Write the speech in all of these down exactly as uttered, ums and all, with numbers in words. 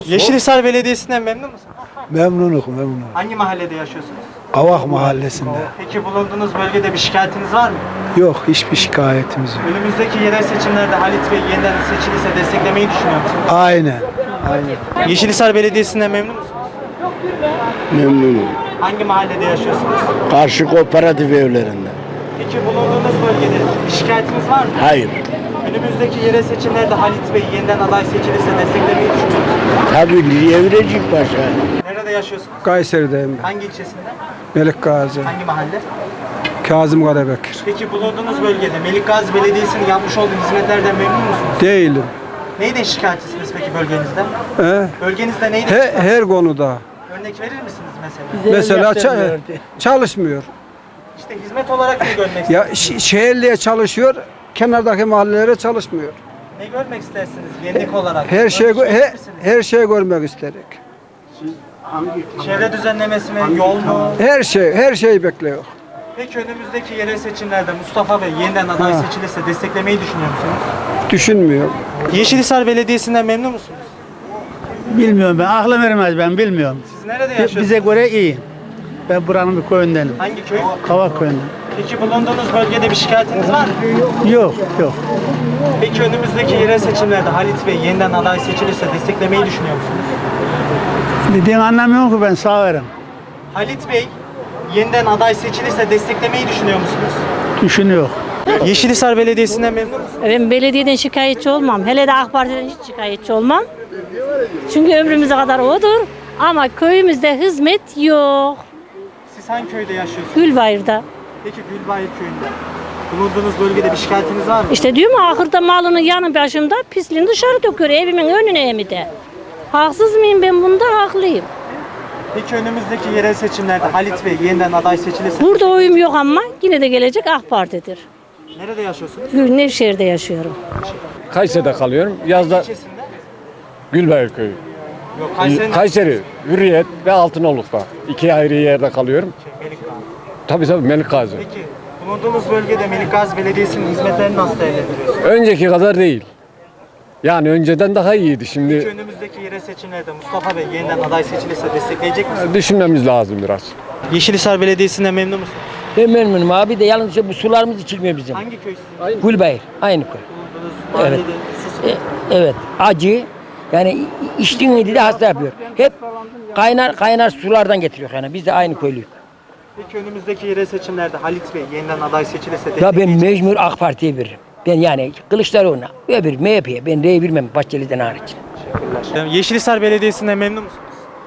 Yeşilhisar Belediyesi'nden memnun musunuz? Memnunum, memnunum. Hangi mahallede yaşıyorsunuz? Avak Mahallesi'nde. Peki bulunduğunuz bölgede bir şikayetiniz var mı? Yok, hiçbir şikayetimiz yok. Önümüzdeki yerel seçimlerde Halit Bey yeniden seçilirse desteklemeyi düşünüyor musunuz? Aynen, aynen. Yeşilhisar Belediyesi'nden memnun musunuz? Memnunum. Hangi mahallede yaşıyorsunuz? Karşı kooperatif evlerinde. Peki bulunduğunuz bölgede bir şikayetiniz var mı? Hayır. Önümüzdeki yerel seçimlerde Halit Bey yeniden aday seçilirse desteklemeyi düşünüyor musunuz? Tabii Evrecik Paşa. Nerede yaşıyorsunuz? Kayseri'deyim ben. Hangi ilçesinde? Melik Gazi. Hangi mahalle? Kazım Karabekir. Peki bulunduğunuz bölgede Melik Gazi Belediyesi'nin yapmış olduğu hizmetlerden memnun musunuz? Değilim. Neyden şikayetçisiniz peki bölgenizde? He? Bölgenizde neyden He, şikayetçisiniz? her konuda. Örnek verir misiniz mesela? Mesela ça- çalışmıyor. İşte hizmet olarak ne görmek Ya istersiniz? ş- şehirliye çalışıyor, kenardaki mahallelere çalışmıyor. Ne görmek istersiniz yenilik olarak? Her şey Örnek he, verir misiniz? her şey görmek istedik. Çevre düzenlemesi mi, yol mu? Her şey, her şeyi bekliyor. Peki önümüzdeki yerel seçimlerde Mustafa Bey yeniden aday Ha. seçilirse desteklemeyi düşünüyor musunuz? Düşünmüyor. Yeşilhisar Belediyesi'nden memnun musunuz? Bilmiyorum ben, aklım ermez ben bilmiyorum. Siz nerede yaşıyorsunuz? Bize göre iyi. Ben buranın bir köyündenim. Hangi köy? Kavak köyünden. Peki bulunduğunuz bölgede bir şikayetiniz var mı? Yok, yok. Peki önümüzdeki yerel seçimlerde Halit Bey yeniden aday seçilirse desteklemeyi düşünüyor musunuz? Dediğini anlamıyorum ki ben sağırım. Halit Bey yeniden aday seçilirse desteklemeyi düşünüyor musunuz? Düşünüyor. Yeşilhisar Belediyesi'nden memnun musunuz? Ben belediyeden şikayetçi olmam. Hele de AK Parti'den hiç şikayetçi olmam. Çünkü ömrümüze kadar odur. Ama köyümüzde hizmet yok. Siz hangi köyde yaşıyorsunuz? Gülbayır'da. Peki Gülbayır köyünde bulunduğunuz bölgede bir şikayetiniz var mı? İşte diyorum ya, ahırda malının yanı başımda pisliğini dışarı döküyor. Evimin önüne emi de. Haksız mıyım ben bunda? Haklıyım. Peki önümüzdeki yerel seçimlerde Halit Bey yeniden aday seçilirse Burada oyum yok ama yine de gelecek AK Parti'dir. nerede yaşıyorsunuz? Gül Nevşehir'de yaşıyorum. Kayseri'de kalıyorum. Yazda İlçesinde? Gülbayır Köyü. Yok Kayseri'nin Kayseri, Hürriyet ve Altınoluk'ta. İki ayrı yerde kalıyorum. Melik Gazi. Tabii tabii Melik Gazi. Peki bulunduğunuz bölgede Melik Gazi Belediyesi'nin hizmetlerini nasıl değerlendiriyorsunuz? Önceki kadar değil. Yani önceden daha iyiydi. Peki Şimdi önümüzdeki yerel seçimlerde Mustafa Bey yeniden aday seçilirse destekleyecek misiniz? düşünmemiz lazım biraz. Yeşilhisar Belediyesi'nden memnun musunuz? Ben memnunum abi de yalnız bu sularımız içilmiyor bizim. Hangi köy sizin? Gülbayır, aynı köy. Bulunduğunuz mahallede su E, evet, acı. Yani içtiğin de hasta yapıyor. Hep kaynar kaynar sulardan getiriyor yani. Biz de aynı köylüyük. Peki önümüzdeki yerel seçimlerde Halit Bey yeniden aday seçilirse Ya ben destekleyecek mecbur AK Parti'ye veririm. Ben yani Kılıçdaroğlu'na, öbür M H P'ye ben R'ye vermem Bahçeli'den hariç. misiniz? Yeşilhisar Belediyesi'nden memnun musunuz?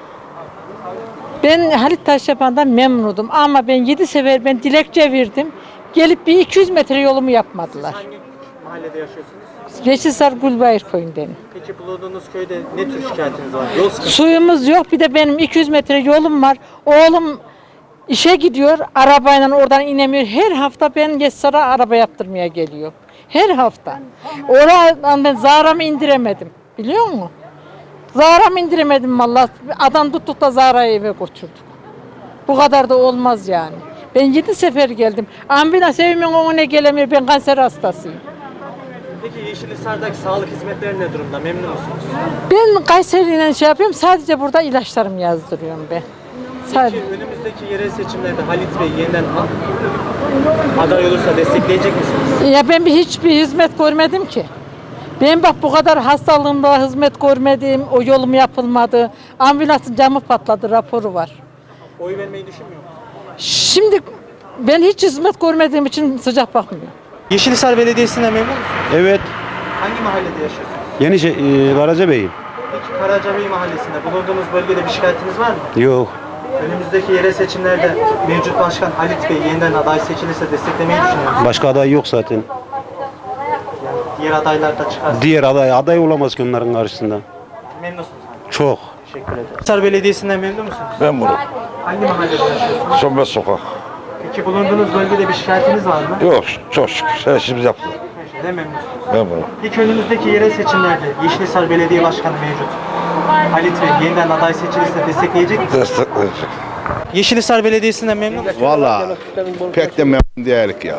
Ben Halit Taşyapan'dan memnunum ama ben yedi sefer ben dilekçe verdim. Gelip bir iki yüz metre yolumu yapmadılar. Hangi mahallede yaşıyorsunuz? Yeşilsar Gülbayır köyündenim. Peki bulunduğunuz köyde ne tür şikayetiniz var? Yol sıkıntısı. Suyumuz yok, bir de benim iki yüz metre yolum var. Oğlum işe gidiyor, arabayla oradan inemiyor. Her hafta ben Yeşilsar'a araba yaptırmaya geliyor. Her hafta. Oradan ben Zahra'mı indiremedim. Biliyor musun? Zahra'mı indiremedim vallahi. Adam tuttuk da Zahra'yı eve götürdük. Bu kadar da olmaz yani. Ben yedi sefer geldim. Ambulans evimin önüne gelemiyor. Ben kanser hastasıyım. Peki Yeşilhisar'daki sağlık hizmetleri ne durumda? Memnun musunuz? Ben Kayseri'yle şey yapıyorum. Sadece burada ilaçlarımı yazdırıyorum ben. Sadece. Peki önümüzdeki yerel seçimlerde Halit Bey yeniden a- aday olursa destekleyecek misiniz? Ya ben bir hiçbir hizmet görmedim ki. Ben bak bu kadar hastalığımda hizmet görmedim. O yolum yapılmadı. Ambulansın camı patladı raporu var. Oy vermeyi düşünmüyor musunuz? Şimdi ben hiç hizmet görmediğim için sıcak bakmıyorum. Yeşilhisar Belediyesi'nden memnun musunuz? Evet, Hangi mahallede yaşıyorsunuz? yeni şey, e, Karacabey'im. Peki Karacabey Mahallesi'nde bulunduğunuz bölgede bir şikayetiniz var mı? Yok, Önümüzdeki yerel seçimlerde mevcut başkan Halit Bey yeniden aday seçilirse desteklemeyi düşünüyor musunuz? başka aday yok zaten. Diğer adaylar da çıkarsa Diğer aday, aday olamaz ki onların karşısında. memnunsunuz. Çok. Teşekkür ederim. Yeşilhisar Belediyesi'nden memnun musunuz? Ben bunu. Hangi mahallede yaşıyorsunuz? Sönmez sokak. Peki bulunduğunuz bölgede bir şikayetiniz var mı? Yok, çok şükür. Her işimizi yaptık. Her şeyden memnunsunuz. Ben bunu. Peki önümüzdeki yerel seçimlerde Yeşilhisar Belediye Başkanı mevcut. Halit Bey yeniden aday seçilirse destekleyecek misiniz? Destekleyecek. Yeşilhisar Belediyesi'nden memnun musunuz? Valla pek de memnun değilik ya.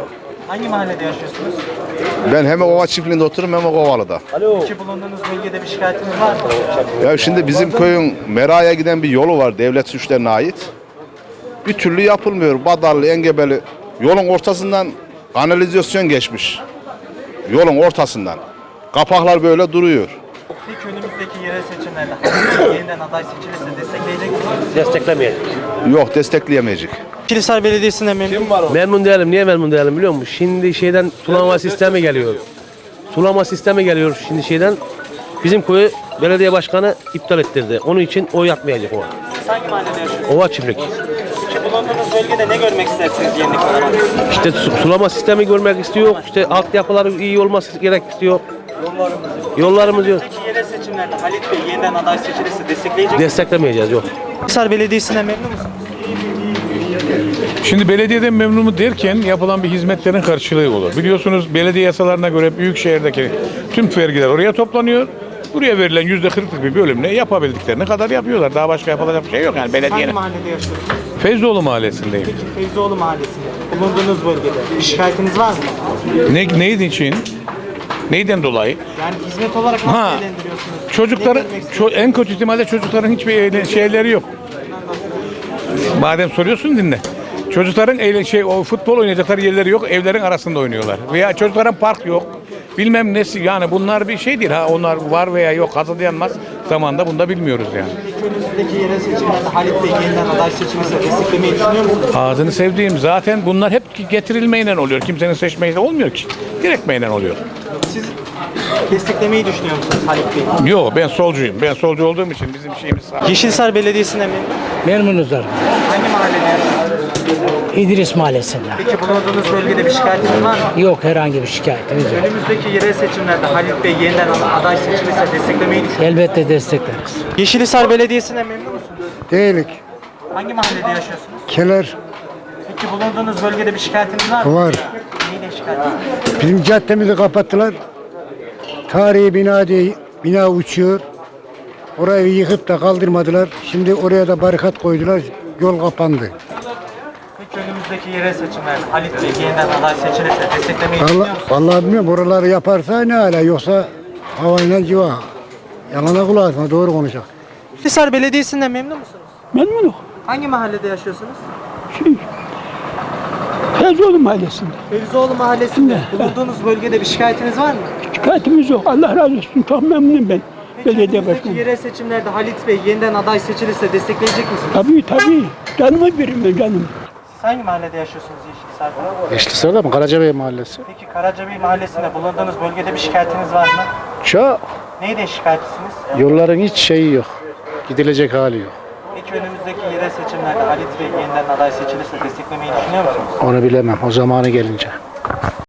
Hangi mahallede yaşıyorsunuz? Ben hem Ova çiftliğinde otururum hem Kovalı'da. Peki bulunduğunuz bölgede bir şikayetiniz var mı? Ya şimdi bizim köyün Mera'ya giden bir yolu var devlet suçlarına ait. Bir türlü yapılmıyor. Badarlı, Engebeli yolun ortasından kanalizasyon geçmiş. Yolun ortasından. Kapaklar böyle duruyor. Peki önümüzdeki yerel seçimlerde yeniden aday seçilirse destekleyecek misiniz? Desteklemeyelim. Yok destekleyemeyecek. Kilisar Belediyesi'ne memnun musunuz? Memnun değilim. Niye memnun değilim biliyor musun? Şimdi şeyden sulama sistemi geliyor. Sulama sistemi geliyor şimdi şeyden. Bizim köyü belediye başkanı iptal ettirdi. Onun için oy atmayacak o. Siz hangi mahallede yaşıyorsunuz? Ova çiftlik. Peki bulunduğunuz bölgede ne görmek istersiniz yenilik olarak? İşte su- sulama sistemi görmek istiyor. İşte altyapıları iyi olması gerek istiyor. Yollarımız yok. Peki yerel seçimlerde Halit Bey yeniden aday seçilirse destekleyecek misiniz? Desteklemeyeceğiz yok. Kilisar Belediyesi'ne memnun musunuz? Şimdi belediyeden memnunum derken yapılan bir hizmetlerin karşılığı olur. Biliyorsunuz belediye yasalarına göre büyük şehirdeki tüm vergiler oraya toplanıyor. Buraya verilen yüzde kırklık bir bölümle yapabildiklerini kadar yapıyorlar. Daha başka yapılacak bir şey yok yani Hangi belediyenin. mahallede yaşıyorsunuz? Feyzoğlu mahallesindeyim. Peki Feyzoğlu Mahallesi'nde bulunduğunuz bölgede bir şikayetiniz var mı? Ne, neydi için? Neyden dolayı? Yani hizmet olarak nasıl Ha, değerlendiriyorsunuz? Çocukların, Ne görmek istiyorsunuz? ço- en kötü ihtimalle çocukların hiçbir eğlen- şeyleri yok. Madem soruyorsun dinle. Çocukların eğlen- şey, o futbol oynayacakları yerleri yok, evlerin arasında oynuyorlar. Veya çocukların park yok. Bilmem nesi yani bunlar bir şey değil ha onlar var veya yok hazırlayanmaz zamanda bunu da bilmiyoruz yani. Peki önümüzdeki yerel seçimlerde Halit Bey yeniden aday seçilirse desteklemeyi düşünüyor musunuz? Ağzını sevdiğim zaten bunlar hep getirilmeyle oluyor. Kimsenin seçmeyle olmuyor ki. Direktmeyle oluyor. Siz desteklemeyi düşünüyor musunuz Halit Bey? Yok ben solcuyum. Ben solcu olduğum için bizim şeyimiz sağ. Yeşilsar Belediyesi'ne memnun musunuz? Memnunuzlar. Hangi mahallede yaşıyorsunuz? İdris Mahallesi'nde. Peki bulunduğunuz bölgede bir şikayetiniz var mı? Yok herhangi bir şikayetimiz yok. Önümüzdeki yerel seçimlerde Halit Bey yeniden aday seçilirse desteklemeyi düşünüyor musunuz? Elbette destekleriz. Yeşilhisar Belediyesi'ne memnun musunuz? Değilik. Hangi mahallede yaşıyorsunuz? Keler Peki bulunduğunuz bölgede bir şikayetiniz var mı? var. Neyle şikayetiniz? Bizim caddemizi kapattılar. Tarihi bina diye bina uçuyor. Orayı yıkıp da kaldırmadılar. Şimdi oraya da barikat koydular. Yol kapandı. Peki önümüzdeki yerel seçimlerde Halit Bey yeniden aday seçilirse desteklemeyi düşünüyor Vallahi, musunuz? vallahi bilmiyorum. Oraları yaparsa ne hala yoksa havayla civa. Yalana kulak atma doğru konuşacak. Yeşilhisar Belediyesi'nden memnun musunuz? Memnunum. Hangi mahallede yaşıyorsunuz? Feyzoğlu Mahallesi'nde. Fevzioğlu Mahallesi'nde. Bulunduğunuz bölgede bir şikayetiniz var mı? Şikayetimiz yok. Allah razı olsun. Çok memnunum ben. Peki önümüzdeki yerel seçimlerde Halit Bey yeniden aday seçilirse destekleyecek misiniz? Tabii tabii. Canımı verin ben canım. Siz hangi mahallede yaşıyorsunuz Yeşilhisar'da? Yeşilsar'da mı? Karacabey Mahallesi. Peki Karacabey Mahallesi'nde bulunduğunuz bölgede bir şikayetiniz var mı? Çok. Neyden şikayetçisiniz? Yolların hiç şeyi yok. Gidilecek hali yok. Peki önümüzdeki yerel seçimlerde Halit Bey yeniden aday seçilirse desteklemeyi düşünüyor musunuz? Onu bilemem. O zamanı gelince.